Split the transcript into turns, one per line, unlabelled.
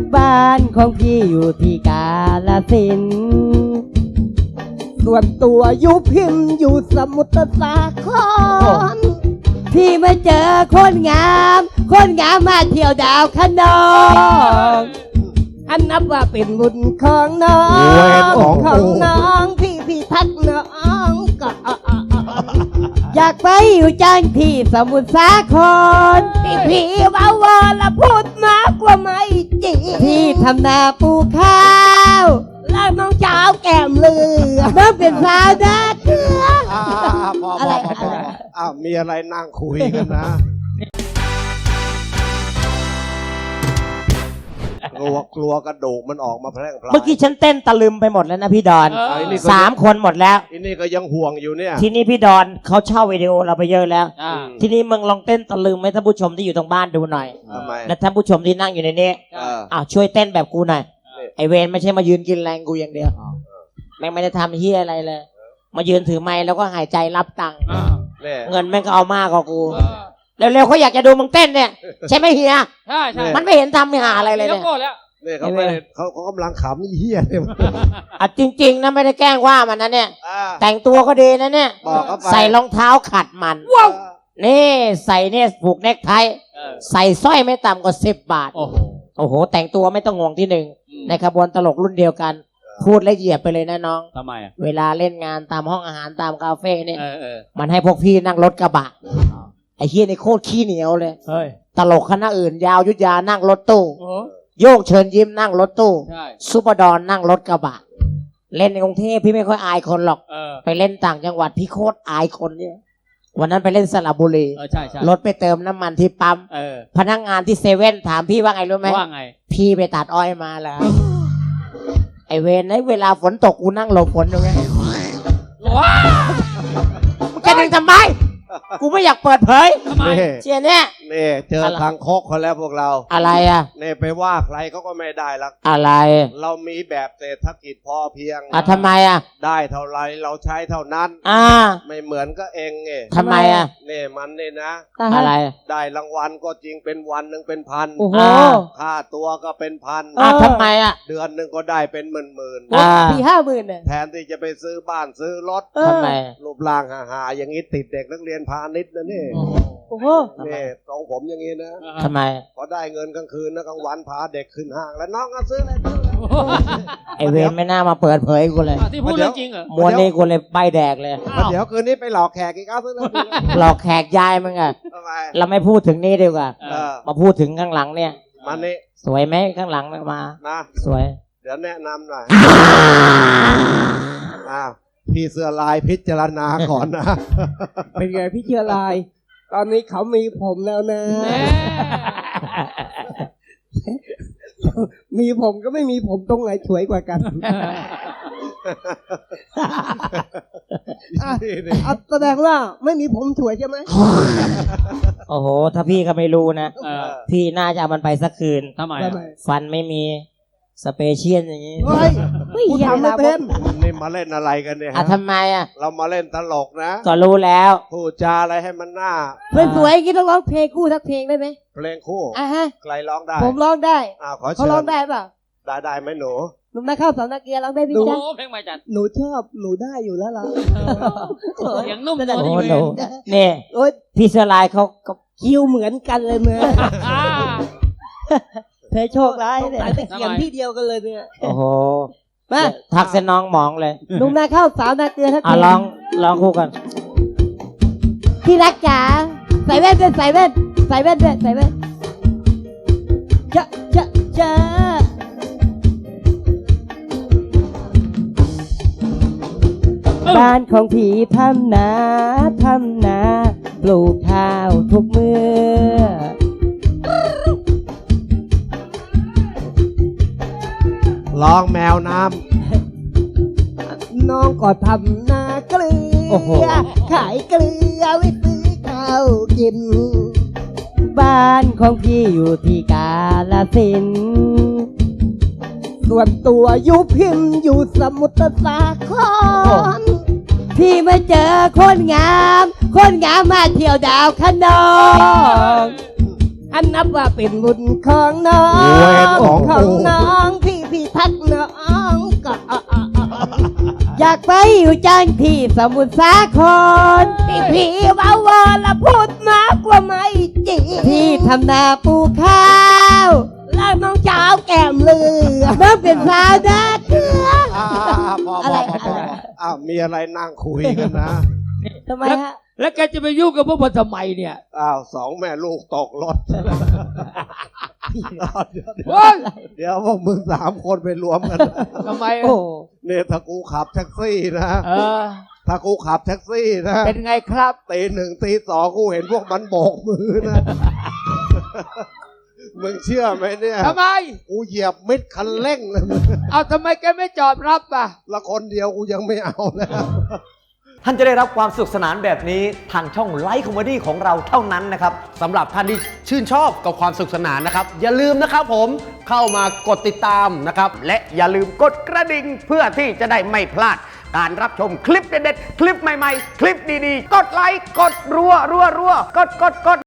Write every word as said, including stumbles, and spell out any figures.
บ้านของพี่อยู่ที่กาฬสินธุ์ส่วนตัวอยู่พิมพ์อยู่สมุทรสาครพี่มาเจอคนงามคนงามมาเที่ยวดาวคะนองอันนับว่าเป็นบุญของน้องของน้องพี่พี่ทักน้องก็อยากไปอยู่จังที่สมุทรสาครพี่พี่ว่าวอละพูดมากกว่าไม่จริงพี่ทำนาปลูกข้าวแล้วน้องเจ้าแก้มเลือน้องเป็นสาวนาเกลืออะไรอะไร
อ้าวมีอะไรนั่งคุยกันนะกลัวกลัวกระดูกมันออกมาแพร่งพลาย
เมื่อกี้ฉันเต้นตะลึมไปหมดแล้วนะพี่ดอนสามคนหมดแล้ว
อันนี้ก็ยังห่วงอยู่เนี่ย
ทีนี้พี่ดอนเขาเช่าวิดีโอเราไปเยอะแล้วทีนี้มึงลองเต้นตะลึมให้ท่านผู้ชมที่อยู่ทางบ้านดูหน่อยและท่านผู้ชมที่นั่งอยู่ในนี้อ้าวช่วยเต้นแบบกูหน่อยไอเวนไม่ใช่มายืนกินแรงกูอย่างเดียวแม่งไม่ได้ทำเฮียอะไรเลยมายืนถือไม้แล้วก็หายใจรับตังค์เงินแม่งก็เอามากกว่ากูเร็วๆเขาอยากจะดูมึงเต้นเนี่ยใช่ไหมเฮีย
ใช่ใช่
มันไม่เห็นทำไม่หาอะไรเลยเนี่ย
เนี่ยเขาไม่เขาเขากำลังขำเฮียเนี่ย
อ่ะจริงๆนะไม่ได้แกล้งว่ามันนะเนี่ยแต่งตัวก็ดีนะเนี่ยใส่รองเท้าขัดมันว้าวนี่ใส่เนี่ยผูกเนคไทใส่สร้อยไม่ต่ำกว่าสิบบาทโอ้โหโอ้โหแต่งตัวไม่ต้องห่วงที่หนึ่งในขบวนตลกรุ่นเดียวกันพูดละเอียดไปเลยนะน้อง
ทำไมอ่ะ
เวลาเล่นงานตามห้องอาหารตามคาเฟ่เนี่ยมันให้พวกพี่นั่งรถกระบะไอ้เฮียนี่โคตรขี้เหนียวเลยตลกคณะอื่นยาวยุทธยานั่งรถตู้โยกเชิญยิ้มนั่งรถตู้ซุปเปอร์ดอนนั่งรถกระบะเล่นในกรุงเทพพี่ไม่ค่อยอายคนหรอกไปเล่นต่างจังหวัดพี่โคตรอายคนเนี่ยวันนั้นไปเล่นสระบุรีรถไปเติมน้ำมันที่ปั๊มพนักงานที่เซเว่นถามพี่ว่าไงรู้ไหม
ว่าไง
พี่ไปตัดอ้อยมาแล้วไอเวนไอเวลาฝนตกกูนั่งหลบฝนอยู่ไงว้าแกดึงทำไมกูไม่อยากเปิดเผยเชียเนี่ย
นี่เจอทางโคกคนแล้วพวกเรา
อะไรอ่ะ
นี่ไปว่าใครเขาก็ไม่ได้ละ
อะไร
เรามีแบบเศรษฐกิจพอเพียง
อ่ะทำไมอ่ะ
ได้เท่าไรเราใช้เท่านั้น
อ่า
ไม่เหมือนก็เองไง
ทำไมอ่ะ
นี่มันนี่นะ
อะไร
ได้รางวัลก็จริงเป็นวันหนึ่งเป็นพัน
โอ้โห
ค่าตัวก็เป็นพัน
อ่ะทำไมอ่ะ
เดือนหนึ่งก็ได้เป็นหมื่นหมื่น
สี่ห้าหมื่นเนี่ย
แทนที่จะไปซื้อบ้านซื้อรถ
ทำไม
รูปร่างหาๆอย่างนี้ติดเด็กนักเรียนพาณิชย์นะนี่
โอ้โห
นี่ตรงผมอย่างนี้นะ
ทำไม
พอได้เงินกลางคืนนะกลางวันพาเด็กขึ้นห้างแล้วน้องก็ซื้ออะไร
ไอเวรไม่น่ามาเปิดเผยกูเลย
ที่พูดเรื่องจริงเหรอ
มวนนี่กูเลยใบแดกเลย
เดี๋ยวคืนนี้ไปหลอกแขกอีกเอาซื้อแล้ว
หลอกแขกยายมึงอะเราไม่พูดถึงนี่ดีกว่ามาพูดถึงข้างหลังเนี่ย
มันนี่
สวยไหมข้างหลังมา
นะ
สวย
เดี๋ยวแนะนำหน่อยอ้าวพี่เสื้อลายพิจารณาก่อนนะ
เป็นไงพี่เสื้อลายตอนนี้เขามีผมแล้วนะมีผมก็ไม่มีผมตรงไหนสวยกว่ากันอ่ะแสดงว่าไม่มีผมสวยใช่ไหม
โอ้โหถ้าพี่ก็ไม่รู้นะพี่น่าจะเอามันไปสักคืน
ทำไม
ฟันไม่มีสเปเชียลอย่างนี้
เฮ้ยกูทำไม่เป็น
นี่มาเล่นอะไรกันเนี่ย
อ่ะทำไมอ่ะ
เรามาเล่นตลกนะ
ก็รู้แล้ว
พูดจาอะไรให้มันน่า
สวยๆกินต้องร้องเพลงคู่สักเพลงได้ไหม
เพลงคู่
อ่ะฮะ
ใครร้องได้
ผมร้องได้
อ้าวขอเชิญ
เขาร้องได้ป่ะ
ได้ได้ไหมหนู
หนูมาเข้าสาวนักเรียนร้องได้พี่จ๊ะ
เพลงใหม่จัด
หนูชอบหนูได้อยู่แล้วล่ะ
เสียงนุ่มโ
อ้โหนี่พี่เสื้อลายเขาก็
คิวเหมือนกันเลยเมื่อเธอโชคร้ายเนี่ยแต่เขียนที่เดียวกันเลยเนี่ย
โอ้โหมาทักเส้นน้องมองเลย
หนุ่มนาเข้าสาวนาเกลือทัก
อ่ะลองลองคู่กัน
ที่รักจ๋าใส่แว่นด้วยใส่แว่นใส่แว่นด้วยใส่แว่นเจ้าเจ้าเจ้าบ้านของผีทำนาทำนาปลูกข้าวทุกมื้อ
ร้องแมวน้
ำน้องก็ทำนาเกลือขายเกลือไว้ซื้อข้าวกินบ้านของพี่อยู่ที่กาฬสินธุ์ส่วนตัวอยู่พิมพ์อยู่สมุทรสาครพี่มาเจอคนงามคนงามมาเที่ยวดาวคะนองอันนับว่าเป็นบุญของน้อง
เวรของกู
น้องพี่พี่ทักน้องก็อยากไปอยู่จังที่สมุทรสาครพี่พี่ว่าวอละพูดมากกว่าไม่จริงที่ทำนาปลูกข้าวแล้วน้องเจ้าแก้มเลือน้องเป็นสาวนาเกลือ
อ่าพอ
อะไร
พอพอ
อะไร
อ้าวมีอะไรนั่งคุยกันนะ
ทำไมฮะ
แล้วแกจะไปยุ่งกับพวกมันทำไมเนี่ย
อ้าวสองแม่ลูกตกรถเดี๋ยว
เฮ้ย
เดี๋ยวพวกมึงสามคนไปรวมกัน
ทำไม
โอ้
เนี่ยถ้ากูขับแท็กซี่นะ
เออ
ถ้ากูขับแท็กซี่นะ
เป็นไงครับ
ตีหนึ่งตีสองกูเห็นพวกมันโบกมือนะ มึงเชื่อไหมเนี่ย
ทำไม
กูเหยียบมิดคันเร่งเลยมึง
เอาทำไมแกไม่จอดรับอ่ะ
ละคนเดียวกูยังไม่เอาแล้ว
ท่านจะได้รับความสนุขสนานแบบนี้ทางช่องไลฟ์คอมเมดี้ของเราเท่านั้นนะครับ
สำหรับท่านที่ชื่นชอบกับความสนุขสนานนะครับ อย่าลืมนะครับผมเข้ามากดติดตามนะครับ และอย่าลืมกดกระดิ่งเพื่อที่จะได้ไม่พลาด การรับชมคลิปเด็ดๆ คลิปใหม่ๆ คลิปดีๆ กดไลค์ กดรัวรัวรัวกดกดกด